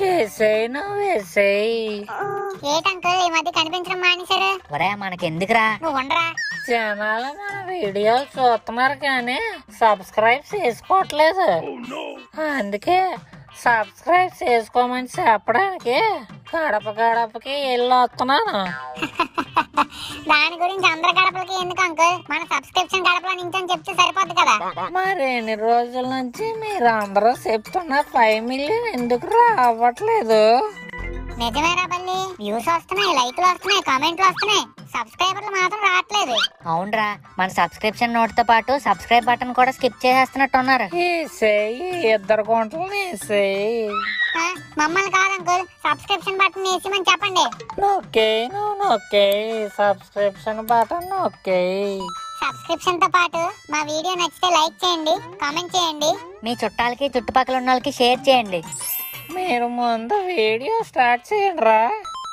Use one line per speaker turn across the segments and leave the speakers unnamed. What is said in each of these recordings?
ఏటంకుల్ ఈ మధ్య కనిపించడం మానేశారు?
ఒరే మనకెందుకురా,
నువ్వు ఉండరా.
జనాలు మన వీడియోలు చూస్తున్నారు కానీ సబ్స్క్రైబ్ చేసుకోవట్లేదు. అందుకే సబ్స్క్రైబ్ చేసుకోమని చెప్పడానికి గడప గడపకి వెళ్ళి వస్తున్నాను.
దాని గురించి అందరి గడపలకి ఎందుకు అంకుల్? మన సబ్స్క్రిప్షన్ గడపలో నుంచి అని చెప్తే సరిపోద్ది కదా.
మరి ఎన్ని రోజుల నుంచి మీరు అందరూ చెప్తున్న 5 మిలియన్ ఎందుకు రావట్లేదు?
నిజమేరా బల్లి, వ్యూస్ వస్తున్నాయి, లైక్లు వస్తున్నాయి, కామెంట్లు వస్తున్నాయి, సబ్స్క్రైబర్లు మాత్రం రావట్లేదు.
అవునరా, మన సబ్స్క్రిప్షన్ నోట్ తో పాటు సబ్స్క్రైబ్ బటన్ కూడా స్కిప్ చేసేస్తున్నట్టున్నారు.
ఇద్దరు గుంటలు వేసేయి.
మమ్మల్ని కాదు అంకుల్, సబ్స్క్రిప్షన్ బటన్ వేసిమని చెప్పండి.
నొక్కే సబ్స్క్రిప్షన్ బటన్ నొక్కే.
సబ్స్క్రిప్షన్ తో పాటు మా వీడియో నచ్చితే లైక్ చేయండి, కామెంట్ చేయండి,
మీ చుట్టాలకి చుట్టుపక్కల ఉన్న వాళ్ళకి షేర్ చేయండి.
మీరు ముందు వీడియో స్టార్ట్ చేయండి రా.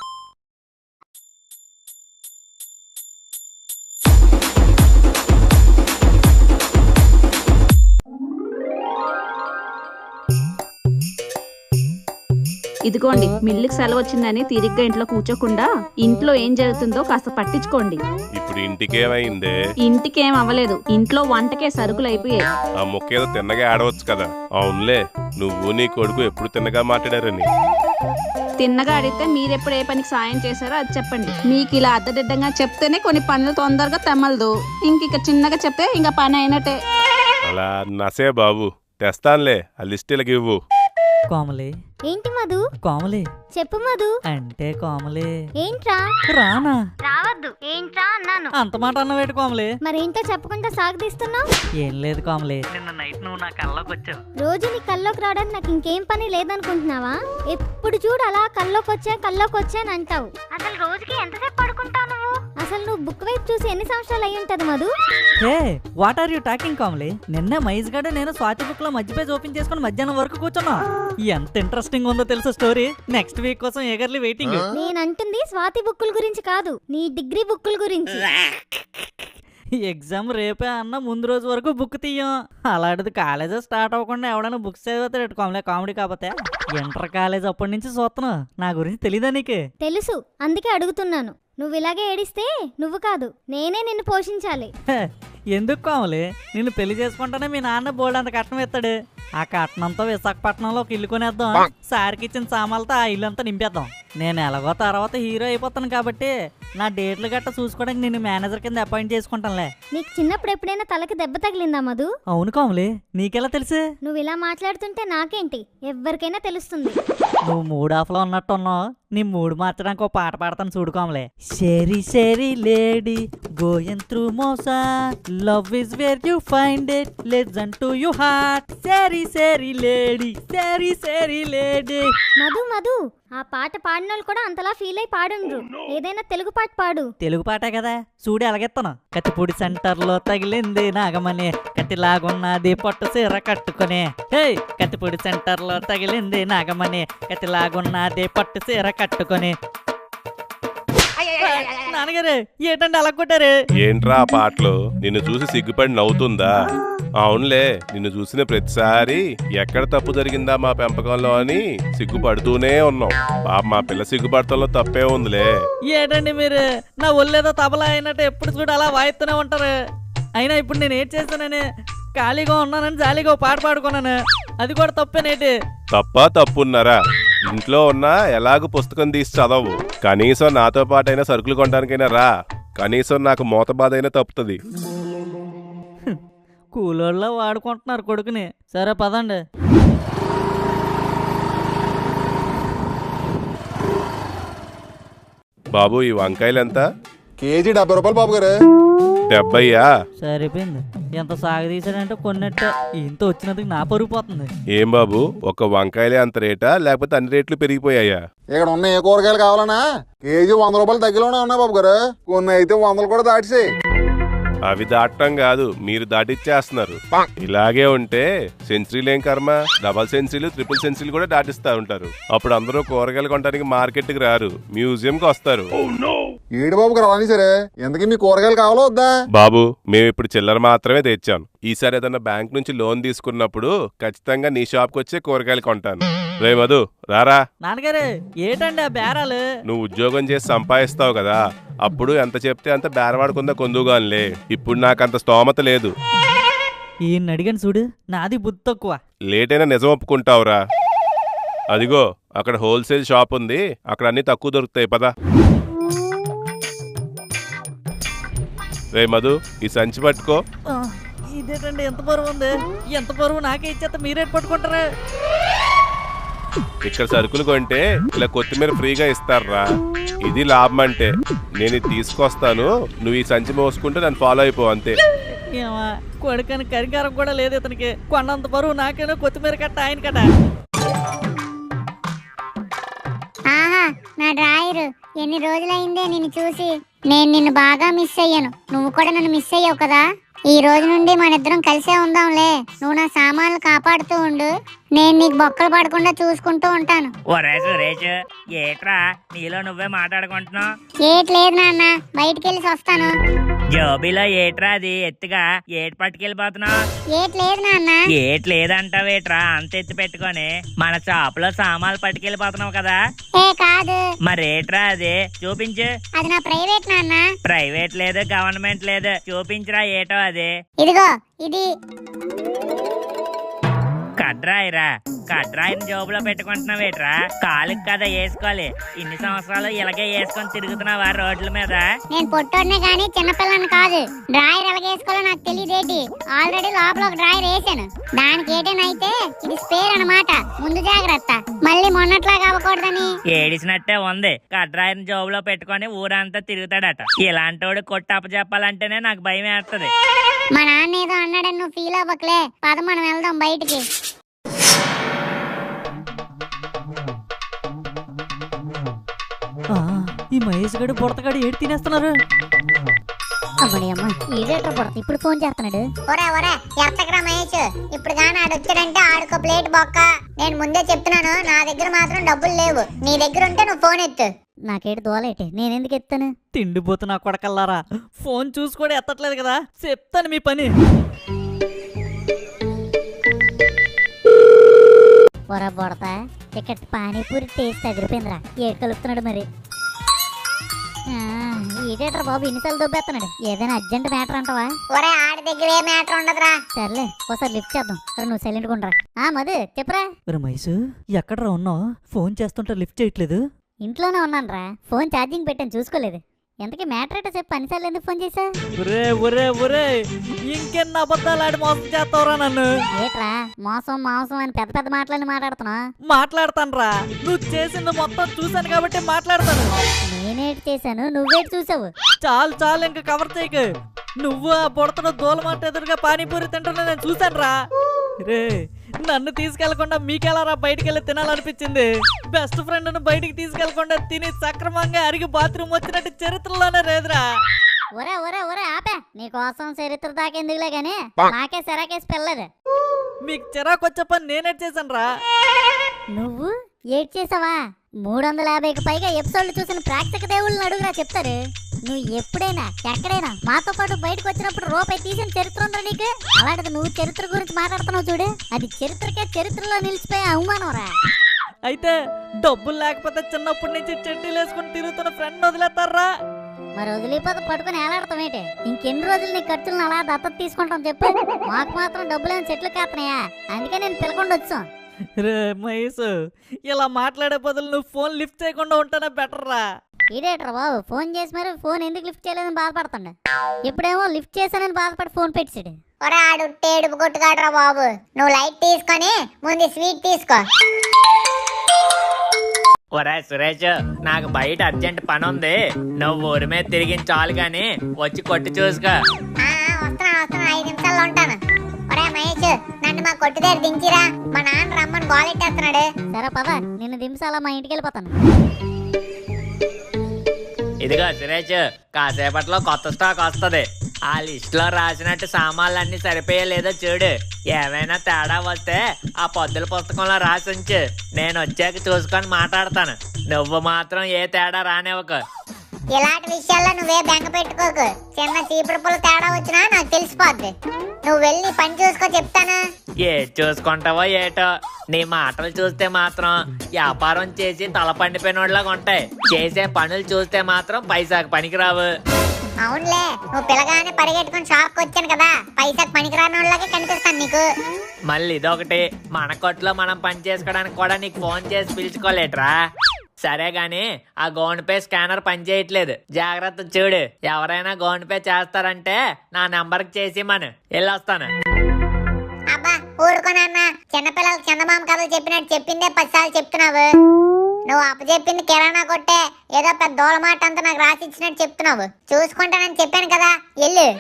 ఇదిగోండి, మిల్లుకి సెలవు వచ్చిందని తీరిగ్గా ఇంట్లో కూర్చోకుండా ఇంట్లో ఏం జరుగుతుందో కాస్త పట్టించుకోండి.
ఇప్పుడు ఇంటికేమైందే?
ఇంటికేం అవ్వలేదు, ఇంట్లో వంటకే సరుకులు అయిపోయాయి.
ఆ ముక్కేదో తిన్నగా ఆడవచ్చు కదా. అవునులే, నువ్వు నీ కొడుకు ఎప్పుడు తిన్నగా మాట్లాడారని.
తిన్నగా అడిగితే మీరెప్పుడు ఏ పనికి సాయం చేశారో అది చెప్పండి. మీకు ఇలా అద్దదిడ్డంగా చెప్తేనే కొన్ని పనులు తొందరగా తెమ్మలదు. ఇంక చిన్నగా చెప్తే ఇంకా పని అయినట్టే.
అలా నసే బాబు, తెస్తానులే, ఆ లిస్టులకి ఇవ్వు.
కోమలి.
ఏంటి మధు?
కోమలి
చెప్పు మధు.
అంటే కోమలి.
ఏంట్రా?
రానా?
రావద్దు. ఏంట్రా అన్నాను.
అంత మాట అన్నవేటి కోమలి?
మరేంటో చెప్పకుండా సాగదీస్తున్నావు.
ఏం లేదు కోమలి, నిన్న నైట్ నువ్వు నా కల్లోకి వచ్చావు.
రోజు నీ కల్లోకి రావడానికి నాకు ఇంకేం పని లేదనుకుంటున్నావా? ఎప్పుడు చూడు అలా కల్లోకి వచ్చాను అంటావు. అసలు రోజుకి ఎంతసేపు పడుకుంటావు నువ్వు? అసలు నువ్వు బుక్ వైపు చూసి ఎన్ని సంవత్సరాలు అయి ఉంటది Madhu?
Hey, what are you talking Komali? నిన్నే మైజ్ గడ నేను స్వాతి బుక్ లో మధ్య పేజ్ ఓపెన్ చేసుకుని మధ్యాహ్నం వరకు కూర్చున్నా. ఎంత ఇంట్రెస్టింగ్ ఉందో తెలుసా స్టోరీ. నెక్స్ట్ వీక్ కోసం ఎగర్లీ వెయిటింగ్.
నేనంటుంది స్వాతి బుక్కుల గురించి కాదు, నీ డిగ్రీ బుక్కుల గురించి.
ఎగ్జామ్ రేపే అన్న ముందు రోజు వరకు బుక్ తీయం. అలాంటిది కాలేజ్ స్టార్ట్ అవ్వకుండా ఎవడైనా బుక్స్ చదివితే కోమలే కామెడీ. కాకపోతే ఇంటర్ కాలేజ్ అప్పటి నుంచి చూస్తున్నావు, నా గురించి తెలీదా నీకు?
తెలుసు, అందుకే అడుగుతున్నాను. నువ్వు ఇలాగే ఏడిస్తే నువ్వు కాదు నేనే నిన్ను పోషించాలి.
ఎందుకు కోమలి? నిన్ను పెళ్లి చేసుకుంటానే మీ నాన్న బోల్డ్ అంత కట్నం ఇస్తాడు. ఆ కట్నంతో విశాఖపట్నంలో ఒక ఇల్లు కొనేద్దాం. సార్కి ఇచ్చిన సామాన్లతో ఆ ఇల్లు అంతా నింపేద్దాం. నేను ఎలాగో తర్వాత హీరో అయిపోతాను కాబట్టి నా డేట్లు గట్ట చూసుకోవడానికి నేను మేనేజర్ కింద అపాయింట్ చేసుకుంటానులే.
నీకు చిన్నప్పుడు ఎప్పుడైనా తలకి దెబ్బ తగిలిందా మధు?
అవును కోమలి, నీకెలా తెలుసు?
నువ్వు ఇలా మాట్లాడుతుంటే నాకేంటి, ఎవరికైనా తెలుస్తుంది.
నువ్వు మూడ్ ఆఫ్ లో ఉన్నట్టున్నావు. నీ మూడ్ మార్చడానికి ఒక పాట పాడతాను చూడు కోమలే. Cheri cheri lady going through motion, love is where you find it, listen to you heart. Cheri cheri lady, cheri cheri lady.
Madhu ఆ పాట పాడినోళ్ళు కూడా అంతలా ఫీల్ అయి పాడుండ్రు. ఏదైనా తెలుగు పాట పాడు.
తెలుగు పాటే కదా, చూడు ఎలాగెత్తాను. కత్తిపూడి సెంటర్ లో తగిలింది నాగమని, కత్తిలాగున్నది పొట్టు సీర కట్టుకుని. హే, కత్తిపూడి సెంటర్ లో తగిలింది నాగమని, కత్తిలాగున్నది పొట్టు సీర కట్టుకుని. నాన్నగారు ఏంటంటే అలా కొట్టారు?
ఏంట్రా ఆ పాటలు? నిన్ను చూసి సిగ్గుపడి నవ్వుతుందా? అవునులే, నిన్ను చూసిన ప్రతిసారి ఎక్కడ తప్పు జరిగిందా మా పెంపకంలో అని సిగ్గుపడుతూనే ఉన్నాం. పాప మా పిల్ల సిగ్గుపడతంలో తప్పే ఉందిలే.
ఏంటండి మీరు నా ఒళ్ళేదో తబలా అయినట్టు ఎప్పుడు చూడు అలా వాయిస్తూనే ఉంటారు. అయినా ఇప్పుడు నేను ఏం చేస్తానని ఖాళీగా ఉన్నానని జాలీగా పాట పాడుకున్నాను. అది కూడా తప్పేనేటి?
తప్పున్నారా? ఇంట్లో ఉన్నా ఎలాగూ పుస్తకం తీసి చదవు. కనీసం నాతో పాటైనా సరుకులు కొనడానికైనా రా. కనీసం నాకు మోత బాధ అయినా తప్పుతుంది.
కూలోళ్ళ వాడుకుంటున్నారు కొడుకుని. సరే పదండి.
బాబు, ఈ వంకాయలు ఎంత?
కేజీ 70 రూపాయలు బాబు గారు.
70యా?
సరిపోయింది. ఎంత సాగదీశాడంటే కొన్నట్టే. ఇంత వచ్చినందుకు నా పరుగు పోతుంది.
ఏం బాబు, ఒక వంకాయలే అంత రేటా లేకపోతే అన్ని రేట్లు పెరిగిపోయాయా?
ఇక్కడ ఉన్న ఏ కూరగాయలు కావాలన్నా కేజీ 100 రూపాయలు తగ్గిలోనే ఉన్నాయి బాబు గారు. కొన్ని అయితే 100 కూడా దాటిసాయి.
అవి దాటం కాదు, మీరు దాటిచ్చేస్తున్నారు. ఇలాగే ఉంటే సెంచరీలేం కర్మ, డబల్ సెంచరీలు, ట్రిపుల్ సెంచరీలు కూడా దాటిస్తా ఉంటారు. అప్పుడు అందరూ కూరగాయలు కొనడానికి మార్కెట్కి రారు, మ్యూజియంకి వస్తారు.
ఏడు బాబు గారు అలానే సరే ఎందుకీ మీ కూరగాయలు కావాలో వద్దా?
బాబు మేము ఇప్పుడు చిల్లర మాత్రమే తెచ్చాను. ఈసారి ఏదన్నా బ్యాంక్ నుంచి లోన్ తీసుకున్నప్పుడు ఖచ్చితంగా నీ షాప్కి వచ్చే కూరగాయలు కొంటాను. రే మధు రారా.
నాన్నగారు ఏటండి ఆ బేరాలు?
నువ్వు ఉద్యోగం చేసి సంపాదిస్తావు కదా, అప్పుడు ఎంత చెప్తే అంత బేరవాడుకుందా కొందుగానిలే. ఇప్పుడు నాకంత స్తోమత లేదు.
ఈయన్ని అడిగాను చూడు, నాది బుద్ధి తక్కువ.
లేట్ అయినా నిజం ఒప్పుకుంటావురా. అదిగో అక్కడ హోల్సేల్ షాప్ ఉంది, అక్కడ అన్ని తక్కువ దొరుకుతాయి పదా. రే మధు ఈ సంచి పట్టుకో.
ఆ, ఇదేటండి ఎంత బరువు ఉంది? ఎంత బరువు నాకే ఇచ్చేస్తే మీరేట్ పట్టుకుంటారా?
ఇక్కడ సరుకులు కొంటే ఇలా కొత్తిమీర ఫ్రీగా ఇస్తారా. ఇది లాభం అంటే. నేను ఇది తీసుకొస్తాను, నువ్వు ఈ సంచి మోసుకుంటే నన్ను ఫాలో అయిపో అంతే.
ఏమా కొడుకని కరికారం కూడా లేదు ఇతనికి. కొన్నంత బరువు నాకేనో కొత్తిమీర కట్ట ఆయన కట్ట.
ఆహా నా డ్రాయరు, ఎన్ని రోజులైందే నిన్ను చూసి. నేను నిన్ను బాగా మిస్ అయ్యాను, నువ్వు కూడా నన్ను మిస్ అయ్యావు కదా. ఈ రోజు నుండి మన ఇద్దరం కలిసే ఉందాంలే. నువ్వు నా సామాన్లు కాపాడుతూ ఉండు, నేను నీకు బొక్కలు పడకుండా చూసుకుంటూ ఉంటాను.
ఒరే సురేష్, ఏట్రా నీలో నువ్వే మాట్లాడుకుంటున్నావు?
ఏట్ లేదు నాన్న, బయటికి వెళ్ళి వస్తాను.
జోబీలో ఏట్రా అది ఎత్తుగా ఏటి పట్టుకెళ్ళిపోతున్నావు?
ఏట్ లేదు నాన్న.
ఏట్ లేదంటావేట్రా అంత ఎత్తి పెట్టుకొని? మన షాప్ లో సామాన్లు పట్టుకెళ్ళిపోతున్నావు కదా.
ఏ కాదు.
మరేట్రా అది చూపించు.
అది నా ప్రైవేట్ నాన్న.
ప్రైవేట్ లేదు గవర్నమెంట్ లేదు, చూపించురా ఏటో అది.
ఇదిగో ఇది.
కడ్రాయిరా, కడ్రాయిని జోబులో పెట్టుకుంటున్నావేట్రా? కాలుకి కదా వేసుకోవాలి. ఇన్ని సంవత్సరాలు ఇలాగే వేసుకొని తిరుగుతున్నావా రోడ్ల మీద?
నేను పొట్టోడినే గానీ చిన్నపిల్లని కాదు. డ్రాయర్ ఎలాగేసుకోవాలో నాకు తెలియదేటి. ఆల్రెడీ లోపల ఒక డ్రాయర్ వేసాను. దానికి ఏటేనైతే ఇది స్పేర్ అన్నమాట, ముందు జాగ్రత్త. మళ్ళీ మొన్నట్లాగా అవ్వకూడదని.
ఏడిసినట్టే ఉంది. కడ్రాయిని జోబులో పెట్టుకొని ఊరంతా తిరుగుతాడట. ఇలాంటోడు కొట్టి అప్పచెప్పాలంటేనే నాకు భయం వేస్తుంది.
మా నాన్న ఏదో అన్నాడని నువ్వు ఫీల్ అవ్వకలే. పద మనం వెళ్దాం బయటికి.
ఆ, ఈ మహేష్ గడు బుడతగాడు ఏడు తినేస్తున్నారు.
ఇప్పుడు ఫోన్ చేస్తున్నాడు. ఒరే ఒరే ఎత్తకరా మహేష్, ఇప్పుడు గాని ఆడు వచ్చాడంటే ఆడుకో ప్లేట్ బొక్క. నేను ముందే చెప్తున్నాను, నా దగ్గర మాత్రం డబ్బులు లేవు. నీ దగ్గర ఉంటే నువ్వు ఫోన్ ఎత్తు. నాకేటి దోలేటి, నేనెందుకు ఎత్తాను?
తిండిపోతు నా కొడకల్లారా, ఫోన్ చూసి కూడా ఎత్తట్లేదు కదా. చెప్తాను మీ పని.
ఒరా బొడతా, ఇక్కడ పానీపూరి టేస్ట్ ఎదిరిపోయిందిరా. ఏడు కలుపుతున్నాడు మరి. ఏడేట్రా బాబు ఇన్నిసార్లు దొబ్బేస్తున్నాడు. ఏదైనా అర్జెంట్ మ్యాటర్ అంటావా? ఒరే ఆడి దగ్గర ఏ మ్యాటర్ ఉండదురా. సర్లే ఒకసారి లిఫ్ట్ చేద్దాం. నువ్వు సైలెంట్ ఉండరా. మధు చెప్పరా.
మహేష్ ఎక్కడరా ఉన్నావు? ఫోన్ చేస్తుంటే లిఫ్ట్ చేయట్లేదు.
ఇంట్లోనే ఉన్నాను రా, ఫోన్ ఛార్జింగ్ పెట్టాను చూసుకోలేదు. ఎంతకీ మ్యాటర్ ఏంటో చెప్పు, అన్నిసార్లు ఎందుకు ఫోన్ చేసా?
ఒరే ఒరే ఒరే, ఇంకెన్ని అబద్ధాలు ఆడి మోసం చేస్తావురా నన్ను?
ఏట్రా మోసం మాంసం అని పెద్ద పెద్ద మాటలని మాట్లాడుతున్నా?
మాట్లాడతానురా, నువ్వు చేసింది మొత్తం చూశాను కాబట్టి మాట్లాడతాను.
నేనేటి చేశాను, నువ్వేటి చూసావు?
చాలు చాలు, ఇంకా కవర్ చేయకు. నువ్వు ఆ బుడతను దూలమాట ఎదురుగా పానీపూరి తింటున్నా నేను చూశాను రా. రే నన్ను తీసుకెళ్లకుండా మీకెలారా బయటికి వెళ్ళి తినాలనిపించింది? బెస్ట్ ఫ్రెండ్ ను బయటికి తీసుకెళ్లకుండా తిని సక్రమంగా అరిగి బాత్రూమ్ వచ్చినట్టు చరిత్రలోనే లేదురా.
ఒరే ఒరే ఒరే ఆపే, నీకోసం చరిత్ర దాకెందుకులే గాని నాకే సెరాకేసి పెళ్ళదు.
మీకు చిరాకు వచ్చే పని నేనేట్ చేశాను రా.
నువ్వు ఏడ్ చేసావా? 350కి పైగా ఎపిసోడ్లు చూసిన ప్రేక్షక దేవుళ్ళని అడుగురా చెప్తారు. నువ్వు ఎప్పుడైనా ఎక్కడైనా మాతో పాటు బయటకు వచ్చినప్పుడు రూపాయి తీసిన చరిత్ర ఉందా నీకు? అలాంటిది నువ్వు చరిత్ర గురించి మాట్లాడుతున్నావు చూడు, అది చరిత్రకే చరిత్రలో నిలిచిపోయే అవమానం రా.
అయితే డబ్బులు లేకపోతే చిన్నప్పటి నుంచి చెడ్డీలు వేసుకుని తిరుగుతున్న ఫ్రెండ్ వదిలేస్తారా?
మరి వదిలిపోతే పట్టుకుని ఏలాడతాం ఏంటి? ఇంకెన్ని రోజులు నీ ఖర్చులను అలా దత్తత తీసుకుంటాం చెప్పు? మాకు మాత్రం డబ్బులేని చెట్లు కాస్తున్నాయా? అందుకే నేను పిలకుండా వచ్చాం.
రే మహేష్, ఇలా మాట్లాడే బదులు నువ్వు ఫోన్ లిఫ్ట్ చేయకుండా ఉంటేనే బెటర్ రా.
ఇదేట్రా బాబు, ఫోన్ చేసి మరి ఫోన్ ఎందుకు లిఫ్ట్ చేయలేదని బాధపడుతుండ. ఇప్పుడేమో లిఫ్ట్ చేశానని బాధపడి ఫోన్ పెట్టాడు. ఒరే ఆడు టేడుపు కొట్టుకాడరా బాబు. నువ్వు లైట్ తీసుకొని ముందు స్వీట్ తీసుకో.
ఒరే సురేష్, నాకు బయట అర్జెంట్ పని ఉంది. నువ్వు ఊరి మీద తిరిగించాలి గాని వచ్చి కొట్టి చూసుకో.
వస్తున్నా 5 నిమిషాల్లో ఉంటాను. ఒరే మహేష్, నన్ను మా కొట్టు దగ్గర దించిరా, మా నాన్న రమ్మని గోలెట్టేస్తున్నాడు. సరే పద, నిన్ను దించాలా మా ఇంటికి వెళ్ళిపోతాను.
ఇదిగో సురేష్, కాసేపట్లో కొత్త స్టాక్ వస్తుంది. ఆ లిస్ట్ లో రాసినట్టు సామాన్లన్నీ సరిపోయలేదో చూడు. ఏమైనా తేడా వస్తే ఆ పొద్దుల పుస్తకంలో రాసి ఉంచు. నేను వచ్చాక చూసుకొని మాట్లాడతాను. నువ్వు మాత్రం ఏ తేడా రానివ్వకు.
ఇలాంటి విషయాల్లో నువ్వే బెంగ పెట్టుకోకు. చిన్న చీపురు పుల్ల తేడా వచ్చినా నాకు తెలిసిపోద్ది. నువ్వు వెళ్ళి పని చూసుకో చెప్తాను.
ఏ చూసుకుంటావో ఏటో, నీ మాటలు చూస్తే మాత్రం వ్యాపారం చేసి తల పండిపోయినోళ్ళగా ఉంటాయి. చేసే పనులు చూస్తే మాత్రం పైసాకు పనికిరావు.
అవునులే, నువ్వు పిల్లగానే పరిగెట్టుకుని షాప్కి వచ్చాను కదా, పైసాకు పనికిరానోళ్ళగా కనిపిస్తాను నీకు.
మళ్ళీ ఇదొకటి, మన కొట్లో మనం పని చేసుకోవడానికి కూడా నీకు ఫోన్ చేసి పిలుచుకోలేట్రా. సరే గాని ఆ గోన్ పే స్కానర్ పనిచేయట్లేదు, జాగ్రత్త చూడు. ఎవరైనా గోన్ పే చేస్తారంటే నా నెంబర్కి చేసి మనం వెళ్ళొస్తాను.
అబ్బా ఊరుకోనన్నా, చిన్నపిల్లలకు చందమామ కథలు చెప్పినట్టు చెప్పిందే 10 సార్లు చెప్తున్నావు. నువ్వు అప్పచెప్పింది కిరాణా కొట్టే, ఏదో పెద్ద దోళమాట అంతా నాకు రాసి ఇచ్చినట్టు చెప్తున్నావు. చూసుకుంటానని చెప్పాను కదా, వెళ్ళు.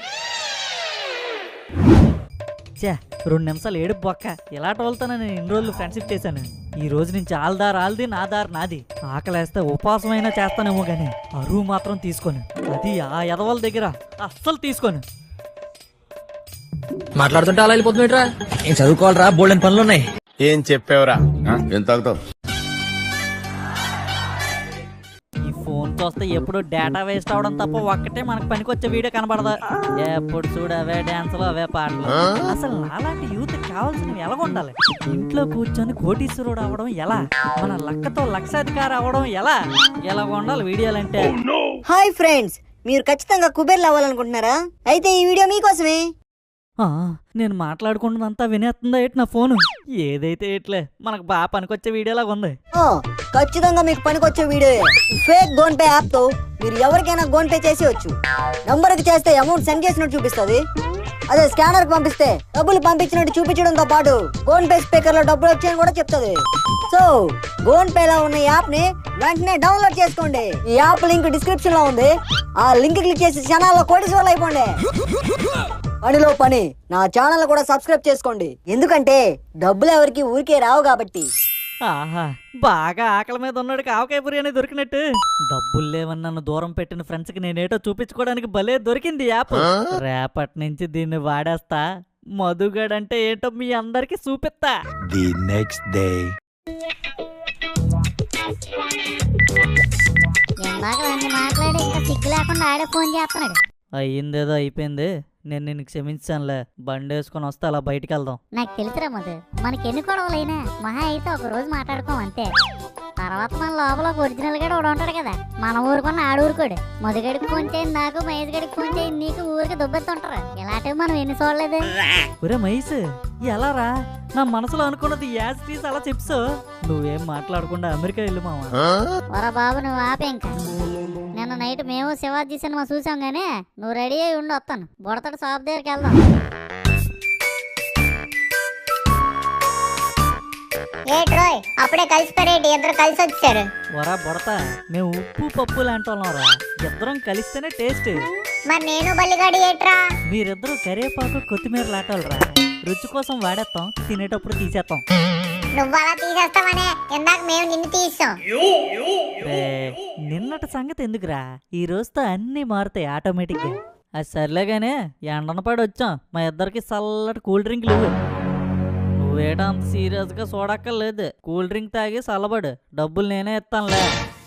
చే 2 నిమిషాలు ఏడుపు బొక్క. ఇలా టోల్తాను నేను ఇన్ని రోజులు ఫ్రెండ్షిప్ చేశాను. ఈ రోజు నుంచి ఆల్ది నా దారి నాది. ఆకలేస్తే ఉపవాసమైనా చేస్తానేమో గాని అరువు మాత్రం తీసుకోను. అది ఆ ఎదవల దగ్గర అస్సలు తీసుకోను.
మాట్లాడుతుంటే అలా వెళ్ళిపోతుందిరా. ఏం చదువుకోవాలరా, బోల్డెన్ పనులు ఉన్నాయి.
ఏం చెప్పావురా? ఏం తాగుతావు?
ఈ ఫోన్ చూస్తే ఎప్పుడు డేటా వేస్ట్ అవడం తప్ప ఒక్కటే మనకు పనికొచ్చే వీడియో కనబడదు. ఎప్పుడు చూడు అవే డాన్సులు, అవే పాటలు. అసలు నాలాంటి యూత్ కావాల్సినవి ఎలా ఉండాలి? ఇంట్లో కూర్చొని కోటీశ్వరుడు అవడం ఎలా? మన లక్కతో లక్షాధికారి అవడం ఎలా? ఎలా ఉండాలి వీడియోలంటే?
హాయ్ ఫ్రెండ్స్, మీరు ఖచ్చితంగా కుబేర్లు అవ్వాలనుకుంటున్నారా? అయితే ఈ వీడియో మీకోసమే.
నేను మాట్లాడుకుంటున్నంతా వినేస్తుందా ఏంటి నా ఫోను? ఏదైతే ఎట్లే, మనకు బాగా పనికొచ్చే వీడియోలాగా ఉంది.
ఖచ్చితంగా మీకు పనికొచ్చే video. Fake gone pay app తో మీరు ఎవరికైనా గోన్ పే చేసేయచ్చు. నంబర్ కి చేస్తే అమౌంట్ సెండ్ చేసినట్టు చూపిస్తుంది. అదే స్కానర్ కి పంపిస్తే డబ్బులు పంపించినట్టు చూపించడంతో పాటు గోన్ పే స్పీకర్ లో డబ్బులు వచ్చాయని కూడా చెప్తుంది. సో గోన్ పే లో ఉన్న యాప్ ని వెంటనే డౌన్లోడ్ చేసుకోండి. ఈ యాప్ లింక్ డిస్క్రిప్షన్ లో ఉంది. ఆ లింక్ క్లిక్ చేసి క్షణాల్లో కోటీశ్వర్లు అయిపోండి. పనిలో పని నా ఛానల్ కూడా సబ్స్క్రైబ్ చేసుకోండి, ఎందుకంటే డబ్బులు ఎవరికి ఊరికే రావు కాబట్టి.
ఆహా, బాగా ఆకలి మీద ఉన్నాడు ఆవకాయ బిర్యానీ దొరికినట్టు. డబ్బులు లేవని నన్ను దూరం పెట్టిన ఫ్రెండ్స్ కి నేనేటో చూపించుకోవడానికి భలే దొరికింది యాప్. రేపటి నుంచి దీన్ని వాడేస్తా. మధుగడంటే ఏంటో మీ అందరికి చూపిస్తా.
The next day.
ఇందాక అన్ని మాట్లాడి ఇంకా సిగ్గు లేకుండా ఆడే ఫోన్ చేస్తున్నాడు.
అయ్యిందేదో అయిపోయింది. నేను నిన్ను క్షమించానులే. బండి వేసుకొని వస్తే అలా బయటికి వెళ్దాం.
నాకు తెలుసురా మధు, మనకి ఎన్ని గొడవలైనా మహా అయితే ఒక రోజు మాట్లాడుకోం అంతే. తర్వాత మన లోపల ఒక ఒరిజినల్ గడు ఒకడు ఉంటాడు కదా, మన ఊరుకున్న ఆడూరుకోడు. మధుగడికి ఫోన్ చేయండి నాకు, మహేష్ గడికి ఫోన్ చేయండి నీకు, ఊరికి దుబ్బెత్తుంటారు. ఇలాంటివి మనం ఎన్ని చూడలేదు.
ఒరే మహేష్, ఎలా రా? నా మనసులో అనుకున్నది యాజ్ టీస్ అలా చెప్పు. నువ్వేం మాట్లాడకుండా అమెరికా వెళ్ళు మావా.
ఒరా బాబు నువ్వు ఆపే ఇంకా. నిన్న నైట్ మేము శివాజీ సినిమా చూసాం గానీ నువ్వు రెడీ అయ్యి ఉండి వస్తాను. బుడతడు షాప్ దగ్గరికి వెళ్దాం.
ఏట్రోయ్ అప్పుడే కలిసిపోయారేంటి? ఇద్దరు కలిసి వచ్చారు.
వరా బుడత, మేము ఉప్పు పప్పు లాంటి వాళ్ళం రా. ఇద్దరం కలిస్తేనే టేస్ట్.
మరి నేను బల్లిగాడి ఏట్రా?
మీరిద్దరూ కరివేపాకు కొత్తిమీర లాటాలరా. రుచి కోసం వాడేస్తాం, తినేటప్పుడు తీసేస్తాం.
నువ్వు అలా తీసేస్తావనే ఇందాక మేము నిన్ను తీసాం.
నిన్నటి సంగతి ఎందుకురా, ఈ రోజుతో అన్ని మారుతాయి ఆటోమేటిక్ గా. అది సర్లేగానే ఎండన పడి వచ్చాం. మా ఇద్దరికి చల్లటి కూల్ డ్రింక్ లేవు. నువ్వేటో అంత సీరియస్ గా చూడక్కర్లేదు. కూల్ డ్రింక్ తాగి చల్లబడు, డబ్బులు నేనే ఇస్తానులే.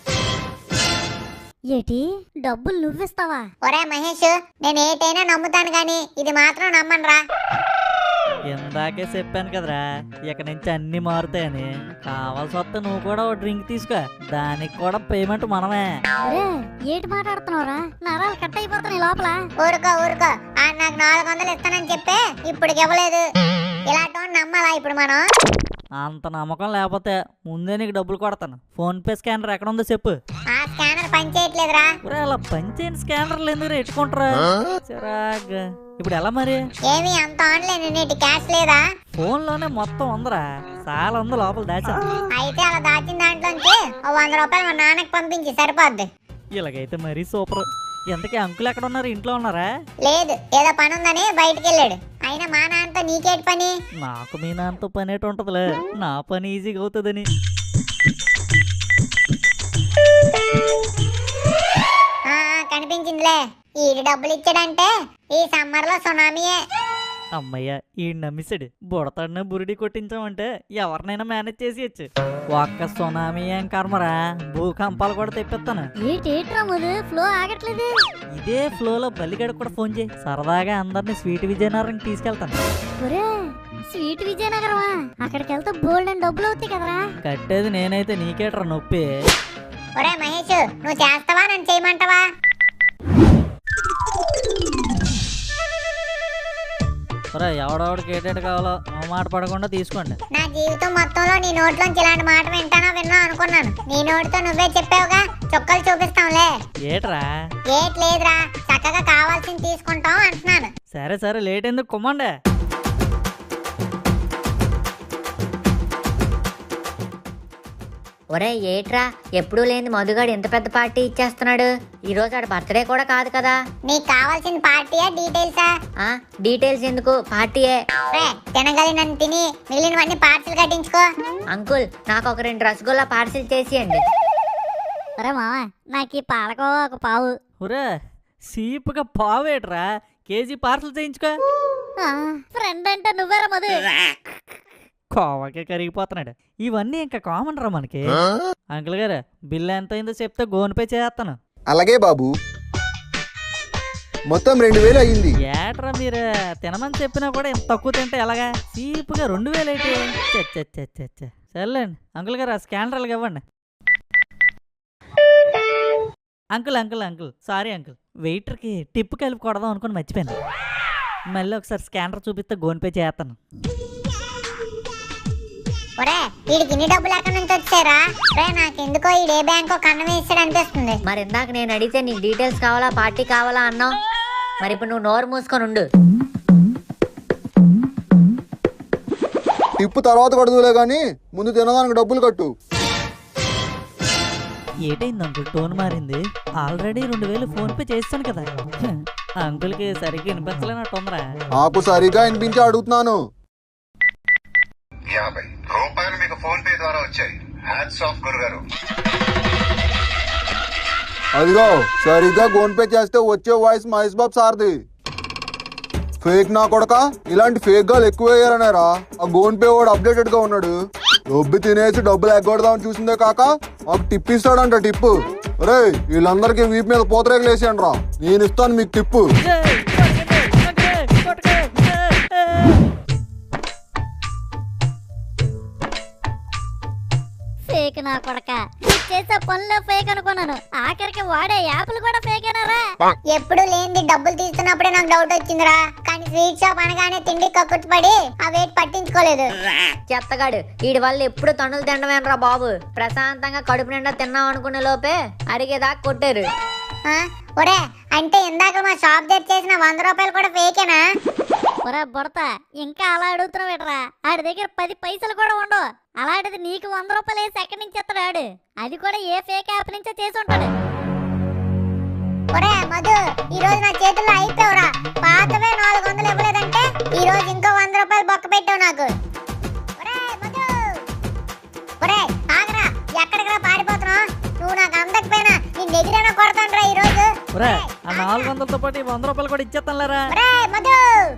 ఏటి డబ్బులు నువ్విస్తావా?
ఒరే మహేష్, నేను ఏటైనా నమ్ముతాను గాని ఇది మాత్రం నమ్మనురా.
ఇందాకే చెప్పాను కదరా, ఇక నుంచి అన్ని మారుతాయని. కావాల్సి వస్తే నువ్వు కూడా ఓ డ్రింక్ తీసుకో, దానికి కూడా పేమెంట్ మనమే.
ఏటి మాట్లాడుతున్నావురా? నరాలు కట్ అయిపోతున్నాయి లోపల.
ఊరుకో ఊరుకో, ఆ నాకు 400 ఇస్తానని చెప్పే ఇప్పుడు ఇవ్వలేదు. ఇలాంటి నమ్మాలా ఇప్పుడు మనం?
అంత నమ్మకం లేకపోతే ముందే నీకు డబ్బులు కొడతాను. ఫోన్ పే స్కానర్ ఎక్కడ ఉందో చెప్పు.
ఆ స్కానర్ పనిచేయట్లేదురా.
అలా పనిచేయని స్కానర్లు ఎందుకు ఎట్టుకుంటారా? చిరాగ్గా. ఇప్పుడు ఎలా మరి?
ఏమి అంత ఆన్లైన్ నీటి క్యాష్ లేదా?
ఫోన్ లోనే మొత్తం ఉందరా, చాలా ఉంది లోపల దాచా.
అయితే అలా దాచిన దాంట్లోంచి 100 రూపాయలు మా నాన్నకి పంపించి సరిపోద్ది.
ఇలాగైతే మరీ సూపర్. ఎంతకీ అంకుల్ ఎక్కడ ఉన్నారు? ఇంట్లో ఉన్నారా?
లేదు, ఏదో పని ఉందని బయటికి వెళ్ళాడు. అయినా మా నాన్నతో నీకేటి పని?
నాకు మీ నాన్నతో పని ఏంటి ఉంటదిలే, నా పని ఈజీగా అవుతుందని.
కనిపించిందిలే. ఈ డబ్బులు ఇచ్చాడంటే ఈ సమ్మర్ లో సునామీయే.
అమ్మయ్య ఈ నమ్మిసాడు. బుడతాడిన బురిడి కొట్టించామంటే ఎవరినైనా మేనేజ్ చేసేయచ్చు. ఒక్క సునామీ ఏం కర్మరా, భూకంపాలు కూడా తెప్పిస్తాను.
ఏంట్రా ముదు ఫ్లో ఆగట్లేదు.
ఇదే ఫ్లోలో బల్లిగడ కూడా ఫోన్ చేయి, సరదాగా అందరినీ స్వీట్ విజయనగరం తీసుకెళ్తాను.
ఒరే స్వీట్ విజయనగరమా? అక్కడికి వెళ్తే బోల్డ్ అని డబ్బులు అవుతాయి కదరా.
కట్టేది నేనైతే నీకేట్రా నొప్పి.
ఒరే మహేష్, నువ్వు చేస్తావా నన్ను చేయమంటావా?
ఎవడెవడికి ఏటేటి కావాలో మాట పడకుండా తీసుకోండి.
నా జీవితం మొత్తంలో నీ నోట్లోంచి ఇలాంటి మాట విన్నా అనుకున్నాను. నీ నోటితో నువ్వే చెప్పావుగా, చుక్కలు చూపిస్తాంలే.
ఏట్రా?
ఏట్ లేదురా, చక్కగా కావాల్సింది తీసుకుంటాం అంటున్నాను.
సరే సరే, లేట్ ఎందుకు కుమ్మండే.
ఒరే ఏట్రా, ఎప్పుడూ లేని మధుగాడు ఎంత పెద్ద పార్టీ ఇచ్చేస్తున్నాడు. ఈ రోజు ఆడ బర్త్డే కూడా కాదు కదా.
నీకు కావాల్సిన పార్టీయా డీటెయిల్సా?
డీటెయిల్స్ ఎందుకు, పార్టీయే.
తినగలిగినన్ని తిని మిగిలినవన్నీ పార్సిల్ కట్టించుకో.
అంకుల్, నాకు ఒక 2 రసగుల్లా పార్సిల్ చేసియండి.
ఒరే మామ, నాకు ఈ పాలకోవా ఒక పావు.
ఒరే సీపుగా పావేట్రా, కేజీ పార్సల్ చేయించుకో.
ఫ్రెండ్ అంటే నువ్వేరా మధు.
కోవకే కరిగిపోతున్నాడు. ఇవన్నీ ఇంకా కామన్ రా మనకి. అంకుల్ గారు బిల్ ఎంత అయిందో చెప్తే గోన్ పే చేస్తాను.
అలాగే బాబు, మొత్తం 2000 అయ్యింది.
ఏట్రా మీరు తినమని చెప్పినా కూడా ఇంత తక్కువ తింటే ఎలాగా? చీప్గా 2000 అయితే సర్లేండి. అంకుల్ గారు ఆ స్కానర్ ఇవ్వండి. Uncle uncle uncle sorry uncle, వెయిటర్కి టిప్ కలిపి కొడదాం అనుకుని మర్చిపోయాను. మళ్ళీ ఒకసారి స్కానర్ చూపిస్తే గోన్ పే చేస్తాను.
ఒరే వీడికి ఇన్ని డబ్బులు ఎక్కడి నుంచి వచ్చారా? రే నాకెందుకో ఈడే బ్యాంకో కన్నం వేసాడు అనిపిస్తుంది.
మరి ఇందాక నేను అడిగితే నీకు డీటెయిల్స్ కావాలా పార్టీ కావాలా అన్నావు. మరి ఇప్పుడు నువ్వు నోరు మూసుకొని ఉండు.
టిప్పు తర్వాత కడుదులే గాని ముందు తినడానికి డబ్బులు కట్టు.
ఏటైంది అంకుల్, టోన్ మారింది. ఆల్రెడీ 2000 ఫోన్ పే చేస్తాను కదా. అంకుల్కి సరిగ్గా వినిపించలేనట్టుందరా.
నాకు సరిగా వినిపించి అడుగుతున్నాను.
50 రూపాయలు మీకు ఫోన్ పే ద్వారా వచ్చాయి. హ్యాట్స్ ఆఫ్ గురుగారు.
అదిగో సరిగ్గా గోన్ పే చేస్తే వచ్చే వాయిస్ మహేష్ బాబు సార్ది. ఫేక్ నా కొడక, ఇలాంటి ఫేక్ గాలు ఎక్కువ వేయాలనేరా. ఆ గోన్ పే వాడు అప్డేటెడ్ గా ఉన్నాడు. డబ్బు తినేసి డబ్బులు ఎగ్గొడదామని చూసిందే కాక మాకు టిప్ ఇస్తాడంట. టిప్పు రే వీళ్ళందరికీ వీపు మీద పూతరేకులు వేసాను రా, నేను ఇస్తాను మీకు టిప్పు.
ఫేక్ నా కొడక, చేసే పనులే ఫేక్ అనుకున్నాను. ఆఖరికి వాడే యాప్లు కూడా ఫేక్ అయినారా?
ఎప్పుడు లేనిది డబ్బులు తీస్తున్నప్పుడే నాకు డౌట్ వచ్చిందిరా. కానీ స్వీట్ షాప్ అనగానే తిండి కక్కుర్తి పడి ఆ వెయిట్ పట్టించుకోలేదు.
చెత్తగాడు, వీడి వల్ల ఎప్పుడు తన్నులు తినడమేనరా బాబు. ప్రశాంతంగా కడుపు నిండా తిన్నాం అనుకునే లోపే అరిగేదాకా కొట్టారు.
ఒరే అంటే ఇందాక మా షాప్ దగ్గర చేసిన 100 రూపాయలు కూడా ఫేకేనా?
ఒరే బుడతా, ఇంకా అలా అడుగుతున్నావేట్రా? ఆడి దగ్గర 10 పైసలు కూడా ఉండవు. అలాంటిది నీకు 100 రూపాయలు వేసి ఎక్కడి నుంచి ఎత్తాడు ఆడు? అది కూడా ఏ ఫేక్ యాప్ నుంచో చేసి ఉంటాడు.
ఒరే మధు, ఈ రోజు నా చేతుల్లో అయిపోయావురా. పాతవే 400 ఇవ్వలేదంటే ఈ రోజు ఇంకో 100 రూపాయలు బొక్క పెట్టావు నాకు. ఒరే మధు, ఒరే ఆగరా, ఎక్కడికి పారిపోతున్నావు? నువ్వు నాకు అందకపోయినా నీ ఎగిరైనా కొడతాను రా ఈ రోజు.
ఆ 400తో పాటు 100 రూపాయలు కూడా ఇచ్చేస్తానులేరా.
ఒరే మధు,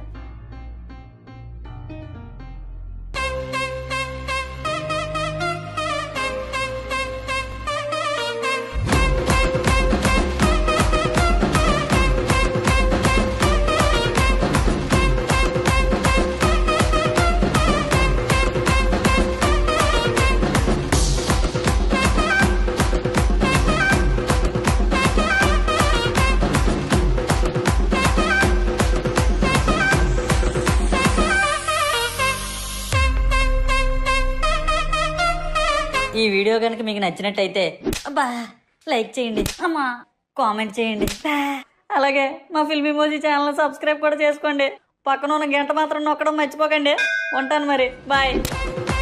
ఈ వీడియో కనుక మీకు నచ్చినట్టయితే అబ్బా లైక్ చేయండి, అమ్మా కామెంట్ చేయండి, అలాగే మా ఫిల్మ్ ఇమోజీ ఛానల్ సబ్స్క్రైబ్ కూడా చేసుకోండి. పక్కన ఉన్న గంట మాత్రం నొక్కడం మర్చిపోకండి. ఉంటాను మరి, బాయ్.